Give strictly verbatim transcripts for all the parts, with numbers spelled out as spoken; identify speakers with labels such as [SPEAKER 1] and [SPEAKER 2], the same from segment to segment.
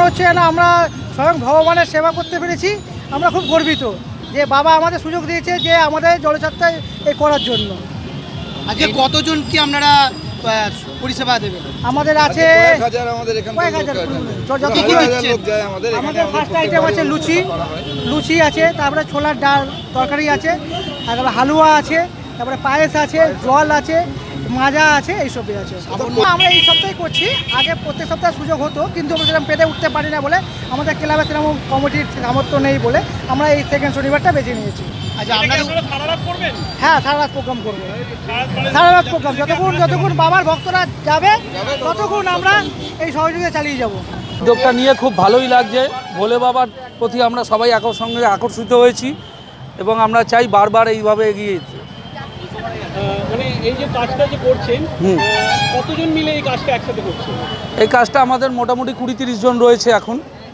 [SPEAKER 1] হচ্ছে না আমরা স্বয়ং ভগবানের সেবা করতে পেরেছি। আমরা খুব গর্বিত যে বাবা আমাদের সুযোগ দিয়েছে যে আমাদের জলযাত্রায় এই করার জন্য।
[SPEAKER 2] আজকে কতজন কি আপনারা আহ, পরিষেবা দেবেন?
[SPEAKER 1] আমাদের আছে
[SPEAKER 3] কয়েক হাজার আমাদের এখান
[SPEAKER 1] কয়েক
[SPEAKER 3] থেকে
[SPEAKER 1] হাজার
[SPEAKER 3] লোক আসেন।
[SPEAKER 1] যত
[SPEAKER 3] হাজার
[SPEAKER 1] কি
[SPEAKER 3] হাজার
[SPEAKER 1] হচ্ছে
[SPEAKER 3] লোক যায় আমাদের এখানে।
[SPEAKER 1] আমাদের
[SPEAKER 3] আমাদের
[SPEAKER 1] ফার্স্ট
[SPEAKER 3] প্রত্যেক
[SPEAKER 1] আইটেম আছে
[SPEAKER 3] বাড়ি
[SPEAKER 1] লুচি,
[SPEAKER 3] করা হয়।
[SPEAKER 1] লুচি আছে, তারপরে ছোলার ডাল তরকারি আছে, তারপরে হালুয়া আছে, তারপরে পায়েস আছে, জল আছে, মাজা আছে, এইসবই আছে। আমরা এই সপ্তাহে করছি, আগে প্রত্যেক সপ্তাহে সুযোগ হতো কিন্তু আমরা সেরকম পেতে উঠতে পারি না বলে, আমাদের ক্লাবে সেরকম কমিটির সামর্থ্য নেই বলে আমরা এই সেকেন্ড শনিবারটা বেছে নিয়েছি।
[SPEAKER 2] আচ্ছা আপনাদের
[SPEAKER 1] হ্যাঁ, সারা রাত প্রোগ্রাম করবো, সারা রাত প্রোগ্রাম যতক্ষণ যতক্ষণ বাবার ভক্তরা যাবে ততক্ষণ আমরা এই সহযোগিতা চালিয়ে যাব।
[SPEAKER 4] উদ্যোগটা নিয়ে খুব ভালোই লাগছে। ভোলে বাবার প্রতি আমরা সবাই একর সঙ্গে আকর্ষিত হয়েছি এবং আমরা চাই বারবার এইভাবে এগিয়ে যেতে।
[SPEAKER 5] মানে এই যে কাজটা যে করছেন,
[SPEAKER 4] হুম।
[SPEAKER 5] কতজন মিলে এই কাজটা একসাথে করছেন?
[SPEAKER 4] এই কাজটা আমাদের মোটামুটি কুড়ি তিরিশ জন রয়েছে এখন।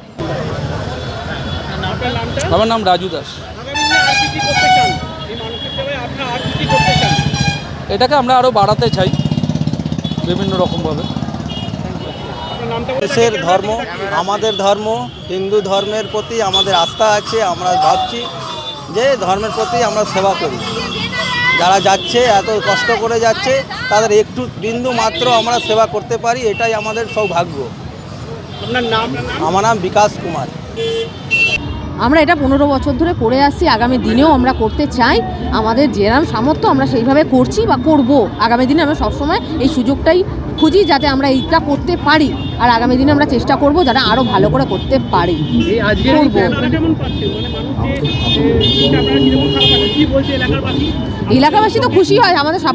[SPEAKER 5] আপনার নামটা?
[SPEAKER 4] আমার নাম রাজু দাস।
[SPEAKER 5] আগামী দিনে আর কি কি করতে চান? এই মানসিক সেবায় আপনারা আর কি কি করতে চান?
[SPEAKER 4] এটাকে আমরা আরও বাড়াতে চাই বিভিন্ন রকমভাবে।
[SPEAKER 5] আপনার নামটা বলুন।
[SPEAKER 6] দেশের ধর্ম, আমাদের ধর্ম, হিন্দু ধর্মের প্রতি আমাদের আস্থা আছে। আমরা ভাবছি যে ধর্মের প্রতি আমরা সেবা করি। যারা যাচ্ছে এত কষ্ট করে যাচ্ছে তাদের একটু বিন্দু মাত্র আমরা সেবা করতে পারি, এটাই আমাদের সৌভাগ্য।
[SPEAKER 5] আপনার নাম?
[SPEAKER 6] আমার নাম বিকাশ কুমার।
[SPEAKER 7] আমরা এটা পনেরো বছর ধরে করে আসছি, আগামী দিনেও আমরা করতে চাই। আমাদের যেরকম সামর্থ্য আমরা সেইভাবে করছি বা করব। আগামী দিনে আমরা সবসময় এই সুযোগটাই খুঁজি যাতে আমরা এইটা করতে পারি, আর আগামী দিনে আমরা চেষ্টা করব যাতে আরও ভালো করে করতে পারি।
[SPEAKER 5] এই আজকের এই ক্যাম্পটা কেমন পাচ্ছেন? মানে মানুষ যে এ, এটা আপনারা কিরকম খারাপ পাচ্ছেন? কি বলছে এলাকার বাসী?
[SPEAKER 7] এলাকাবাসী তো খুশি হয়, আমাদের